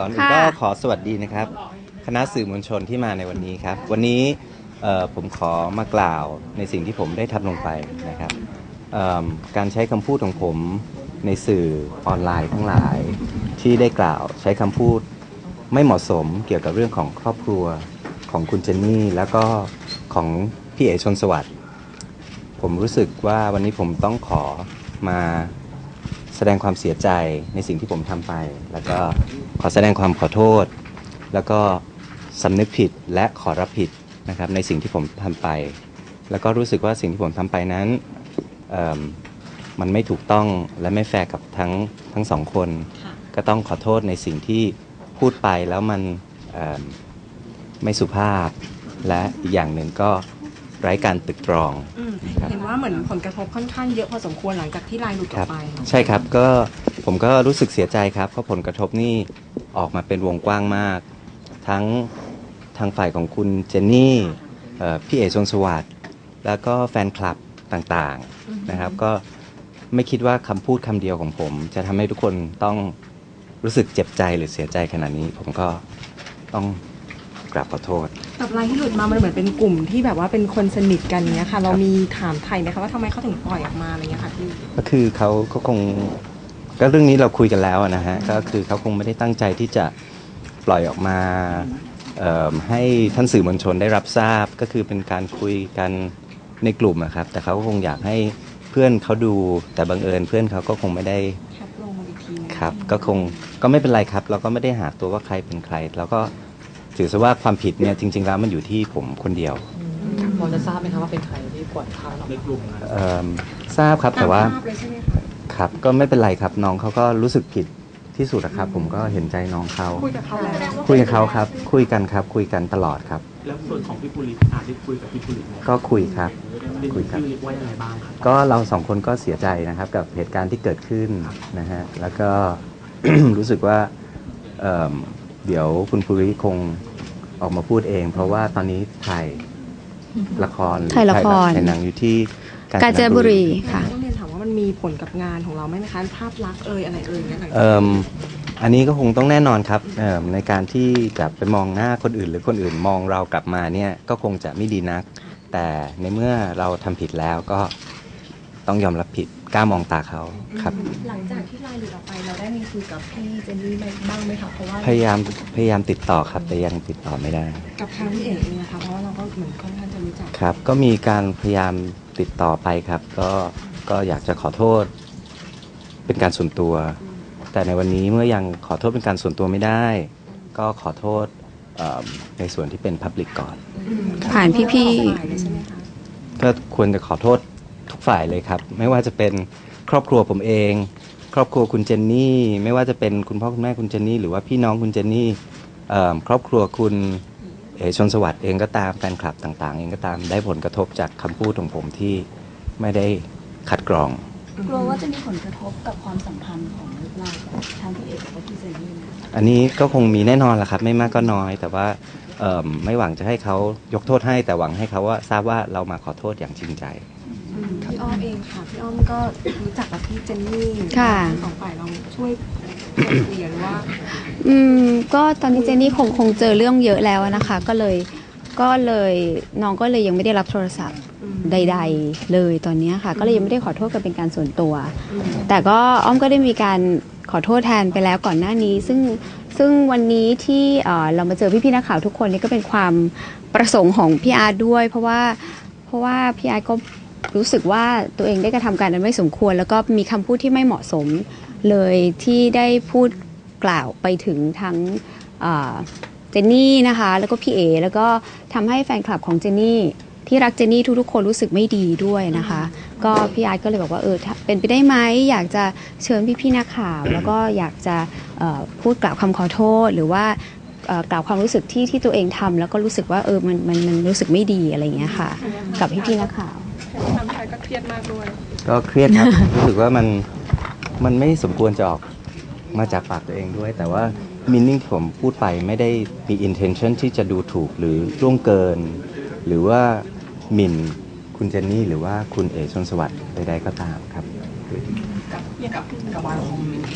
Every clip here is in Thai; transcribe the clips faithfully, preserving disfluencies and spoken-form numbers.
ก่อนอื่นก็ขอสวัสดีนะครับคณะสื่อมวลชนที่มาในวันนี้ครับวันนี้ผมขอมากล่าวในสิ่งที่ผมได้ทำลงไปนะครับการใช้คำพูดของผมในสื่อออนไลน์ทั้งหลายที่ได้กล่าวใช้คำพูดไม่เหมาะสมเกี่ยวกับเรื่องของครอบครัวของคุณเจนนี่แล้วก็ของพี่เอ๋ชนสวัสดิ์ผมรู้สึกว่าวันนี้ผมต้องขอมาแสดงความเสียใจในสิ่งที่ผมทำไปแล้วก็ขอแสดงความขอโทษแล้วก็สำนึกผิดและขอรับผิดนะครับในสิ่งที่ผมทำไปแล้วก็รู้สึกว่าสิ่งที่ผมทำไปนั้นมันไม่ถูกต้องและไม่แฟร์กับทั้งทั้งสองคนก็ต้องขอโทษในสิ่งที่พูดไปแล้วมันไม่สุภาพและอีกอย่างหนึ่งก็ไร้การตึกตรองเห็นว่าเหมือนผลกระทบค่อนข้างเยอะพอสมควรหลังจากที่ไลน์หลุดออกไปใช่ครับก็ผมก็รู้สึกเสียใจครับเพราะผลกระทบนี่ออกมาเป็นวงกว้างมากทั้งทางฝ่ายของคุณเจนนี่พี่เอ๋ชนสวัสดิ์แล้วก็แฟนคลับต่างๆนะครับก็ไม่คิดว่าคำพูดคำเดียวของผมจะทำให้ทุกคนต้องรู้สึกเจ็บใจหรือเสียใจขนาดนี้ผมก็ต้องกราบขอโทษกับไลน์ที่หลุดมามันเหมือนเป็นกลุ่มที่แบบว่าเป็นคนสนิทกันเนี้ยค่ะเรามีถามไทยไหมคะว่าทำไมเขาถึงปล่อยออกมาอะไรเงี้ยค่ะพี่ก็คือเขาเขาคงก็เรื่องนี้เราคุยกันแล้วนะฮะก็คือเขาคงไม่ได้ตั้งใจที่จะปล่อยออกมาให้ท่านสื่อมวลชนได้รับทราบก็คือเป็นการคุยกันในกลุ่มนะครับแต่เขาก็คงอยากให้เพื่อนเขาดูแต่บังเอิญเพื่อนเขาก็คงไม่ได้ครับก็คงก็ไม่เป็นไรครับเราก็ไม่ได้หาตัวว่าใครเป็นใครแล้วก็ถือซะว่าความผิดเนี่ยจริงๆแล้วมันอยู่ที่ผมคนเดียวพอจะทราบไหมครับว่าเป็นใครที่ปล่อยข่าวในกลุ่มทราบครับแต่ว่าครับก็ไม่เป็นไรครับน้องเขาก็รู้สึกผิดที่สุดนะครับผมก็เห็นใจน้องเขาคุยกับเขาแล้วคุยกับเขาครับคุยกันครับคุยกันตลอดครับแล้วส่วนของพี่ปุริอาจได้คุยกับพี่ปุริก็คุยครับคุยครับว่ายังไงบ้างครับก็เราสองคนก็เสียใจนะครับกับเหตุการณ์ที่เกิดขึ้นนะฮะแล้วก็ รู้สึกว่าเดี๋ยวคุณปุริคงออกมาพูดเองเพราะว่าตอนนี้ถ่ายละครถ่ายละครถ่ายหนังอยู่ที่กาญจนบุรีค่ะต้องเรียนถามว่ามันมีผลกับงานของเราไหมคะภาพลักษณ์เอ่ยอะไรเอ่ยเนี่ยอันนี้ก็คงต้องแน่นอนครับในการที่จะไปมองหน้าคนอื่นหรือคนอื่นมองเรากลับมาเนี่ยก็คงจะไม่ดีนักแต่ในเมื่อเราทำผิดแล้วก็ต้องยอมรับผิดกล้ามองตาเขาครับหลังจากที่ไลน์หลุดออกไปเราได้มีคุยกับพี่เจนนี่บ้างไหมคะเพราะว่าพยายามพยายามติดต่อครับแต่ยังติดต่อไม่ได้กับทางพี่เอ๋เองนะคะเพราะว่าเราก็เหมือนค่อนข้างจะรู้จักครับก็มีการพยายามติดต่อไปครับก็ก็อยากจะขอโทษเป็นการส่วนตัวแต่ในวันนี้เมื่อยังขอโทษเป็นการส่วนตัวไม่ได้ก็ขอโทษในส่วนที่เป็นพับลิกก่อนผ่านพี่ๆก็ควรจะขอโทษทุกฝ่ายเลยครับไม่ว่าจะเป็นครอบครัวผมเองครอบครัวคุณเจนนี่ไม่ว่าจะเป็นคุณพ่อคุณแม่คุณเจนนี่หรือว่าพี่น้องคุณเจนนี่ครอบครัวคุณเอ๋ชนสวัสดิ์เองก็ตามแฟนคลับต่างๆเองก็ตามได้ผลกระทบจากคำพูดของผมที่ไม่ได้คัดกรองกลัวว่าจะมีผลกระทบกับความสัมพันธ์ของเราทางพี่เอ๋กับพี่เจนนี่อันนี้ก็คงมีแน่นอนแหละครับไม่มากก็น้อยแต่ว่าไม่หวังจะให้เขายกโทษให้แต่หวังให้เขาว่าทราบว่าเรามาขอโทษอย่างจริงใจพี่อ้อมเองค่ะพี่อ้อมก็รู้จักกับพี่เจนนี่สองฝ่ายเราช่วยเปลี่ยนว่าอืมก็ตอนนี้เจนนี่คงคงเจอเรื่องเยอะแล้วนะคะก็เลยก็เลยน้องก็เลยยังไม่ได้รับโทรศัพท์ใดๆเลยตอนนี้ค่ะก็เลยยังไม่ได้ขอโทษกันเป็นการส่วนตัวแต่ก็อ้อมก็ได้มีการขอโทษแทนไปแล้วก่อนหน้านี้ซึ่งซึ่งวันนี้ที่เรามาเจอพี่ๆนักข่าวทุกคนนี่ก็เป็นความประสงค์ของพี่อาร์ด้วยเพราะว่าเพราะว่าพี่อาร์ก็รู้สึกว่าตัวเองได้กระทำการอันไม่สมควรแล้วก็มีคำพูดที่ไม่เหมาะสมเลยที่ได้พูดกล่าวไปถึงทั้งเจนนี่นะคะแล้วก็พี่เอแล้วก็ทำให้แฟนคลับของเจนนี่ที่รักเจนนี่ทุกๆคนรู้สึกไม่ดีด้วยนะคะก็พี่อาร์ตก็เลยบอกว่าเออเป็นไปได้ไหมอยากจะเชิญพี่ๆนักข่าวแล้วก็อยากจะพูดกล่าวคำขอโทษหรือว่ากล่าวความรู้สึกที่ที่ตัวเองทำแล้วก็รู้สึกว่าเออมันมันมันรู้สึกไม่ดีอะไรอย่างเงี้ยค่ะกับพี่ๆนักข่าวทำไทยก็เครียดมากด้วยก็เครียดครับ รู้สึกว่ามันมันไม่สมควรจะออกมาจากปากตัวเองด้วยแต่ว่ามินนิ่งที่ผมพูดไปไม่ได้มี intention ที่จะดูถูกหรือล่วงเกินหรือว่าหมิ่นคุณเจนนี่หรือว่าคุณเอ๋ชนสวัสดิ์ใดๆก็ตามครับกับกับกับวายคอมเมนต์ที่ม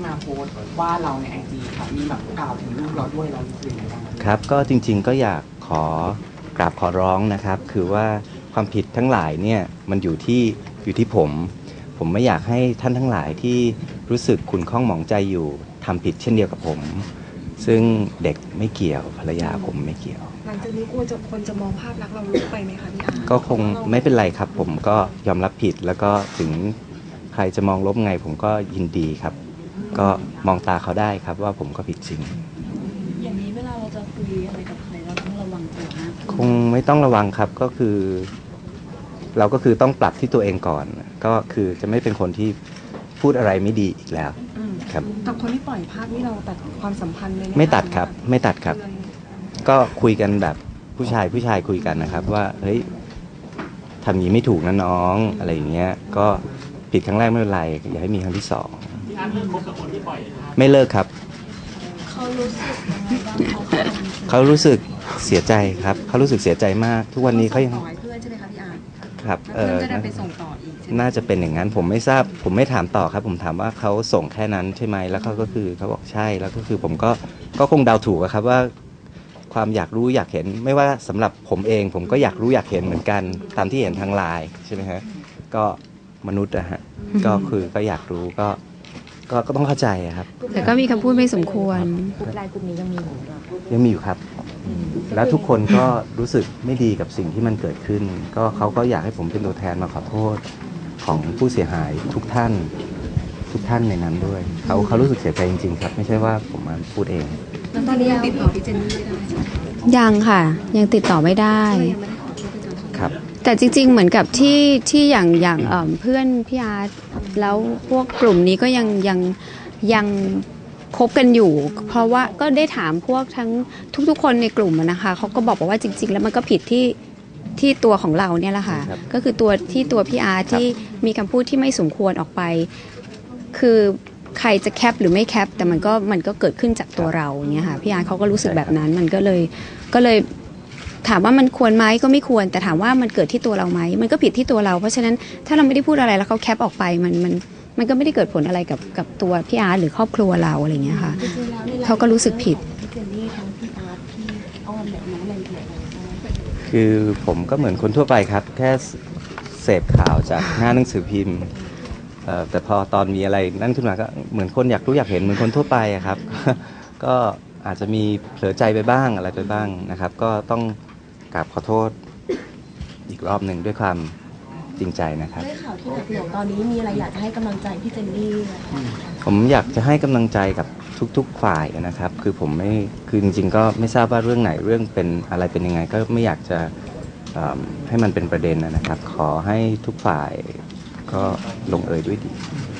มาโพสต์ว่าเราในไอจีค่ะมีแบบกล่าวถึงลูกเราด้วยเรารู้สึกยังไงบ้างครับก็จริงๆก็อยากขอกราบขอร้องนะครับ คือว่าความผิดทั้งหลายเนี่ยมันอยู่ที่อยู่ที่ผม ผมไม่อยากให้ท่านทั้งหลายที่รู้สึกขุ่นข้องหมองใจอยู่ทำผิดเช่นเดียวกับผม ซึ่งเด็กไม่เกี่ยวภรรยาผมไม่เกี่ยวหลังจากนี้กลัวจะคนจะมองภาพลักษณ์เราลบไปไหมคะพี่อาร์ก็คงไม่เป็นไรครับ ผมก็ยอมรับผิดแล้วก็ถึงใครจะมองลบไงผมก็ยินดีครับ ก็มองตาเขาได้ครับว่าผมก็ผิดจริงอย่างนี้เวลาเราจะคุยอะไรกับใครเราต้องระวังตัวมากคงไม่ต้องระวังครับก็คือ เราก็คือต้องปรับที่ตัวเองก่อน ก็คือจะไม่เป็นคนที่พูดอะไรไม่ดีอีกแล้วอืมครับกับคนที่ปล่อยภาพนี่เราตัดความสัมพันธ์เลยหไม่ตัดครับไม่ตัดครับเตือนก็คุยกันแบบผู้ชายผู้ชายคุยกันนะครับ ว่าเฮ้ยทำอย่างนี้ไม่ถูกนะน้องอะไรอย่างเงี้ย ก็ผิดครั้งแรกไม่เป็นไรอย่าให้มีครั้งที่สองไม่เลิกครับเขารู้สึกยังไงบ้างเขาทำเขารู้สึกเสียใจครับเขารู้สึกเสียใจมาก ทุกวันนี้เขายังส่งต่อให้เพื่อนใช่ไหมคะพี่อาร์ครับแล้วเพื่อนจะได้ไปส่งต่ออีกใช่ไหมน่าจะเป็นอย่างนั้นผมไม่ทราบผมไม่ถามต่อครับ ผมถามว่าเขาส่งแค่นั้นใช่ไหมแล้วเขาก็คือเขาบอกใช่แล้วก็คือผมก็ก็คงเดาถูกอะครับว่าความอยากรู้อยากเห็นไม่ว่าสำหรับผมเอง ผมก็อยากรู้อยากเห็นเหมือนกันตามที่เห็นทางไลน์ใช่ไหมฮะก็มนุษย์อะฮะก็คือก็อยากรู้ก็ก็ก็ต้องเข้าใจอะครับแต่ก็มีคำพูดไม่สมควรกลุ่มไลน์กลุ่มนี้ยังมีอยู่หรอยังมีอยู่ครับ แล้วทุกคนก็รู้สึกไม่ดีกับสิ่งที่มันเกิดขึ้น ก็เขาก็อยากให้ผมเป็นตัวแทนมาขอโทษของผู้เสียหายทุกท่านทุกท่านในนั้นด้วยเขาเขารู้สึกเสียใจจริงๆครับ ไม่ใช่ว่าผมมาพูดเองแล้วตอนนี้ยังติดต่อพี่เจนนี่ไม่ได้ใช่ไหมยังค่ะ ยังติดต่อไม่ได้ก็เลยยังไม่ได้ขอโทษพี่เจนนี่ครับแต่จริงๆ เหมือนกับที่ที่อย่างอย่างเอิ่มเพื่อนพี่อาร์ตแล้วพวกกลุ่มนี้ก็ยังยังยังคบกันอยู่ เพราะว่าก็ได้ถามพวกทั้งทุกๆ คนในกลุ่มอะนะคะเขาก็บอกว่าจริง ๆ แล้วมันก็ผิดที่ที่ตัวของเราเนี่ยแหละค่ะครับก็คือตัวที่ตัวพี่อาร์ตที่มีคำพูดที่ไม่สมควรออกไป คือใครจะแคปหรือไม่แคปแต่มันก็มันก็เกิดขึ้นจากตัวเราอย่างเงี้ยค่ะพี่อาร์ตเขาก็รู้สึกแบบนั้นมันก็เลยก็เลย ถามว่ามันควรไหมก็ไม่ควรแต่ถามว่ามันเกิดที่ตัวเราไหมมันก็ผิดที่ตัวเรา เพราะฉะนั้นถ้าเราไม่ได้พูดอะไรแล้วเขาแคปออกไปมันมันมันก็ไม่ได้เกิดผลอะไรกับกับตัวพี่อาร์ตหรือครอบครัวเราอะไรอย่างเงี้ยค่ะจริงๆแล้วในไลน์เขาก็รู้สึกผิดพี่เจนนี่ทั้งพี่อาร์ตพี่อ้อมแบบน้องแมนเดียอะไรบ้างคือผมก็เหมือนคนทั่วไปครับ แค่เสพข่าวจากหน้าหนังสือพิมพ์เอ่อแต่พอตอนมีอะไรนั่นขึ้นมาก็เหมือนคนอยากรู้อยากเห็นเหมือนคนทั่วไปอะครับ ก็อาจจะมีเผลอใจไปบ้างอะไรไปบ้างนะครับ ก็ต้องกราบขอโทษอีกรอบหนึ่งด้วยความจริงใจนะครับด้วยข่าวที่หนักหน่วงตอนนี้มีอะไรอยากจะให้กำลังใจพี่เจนนี่ไหมคะผมอยากจะให้กำลังใจกับทุกๆฝ่ายนะครับ คือผมไม่คือจริงๆก็ไม่ทราบว่าเรื่องไหนเรื่องเป็นอะไรเป็นยังไง ก็ไม่อยากจะเอิ่มให้มันเป็นประเด็นนะครับ ขอให้ทุกฝ่ายก็ลงเอยด้วยดี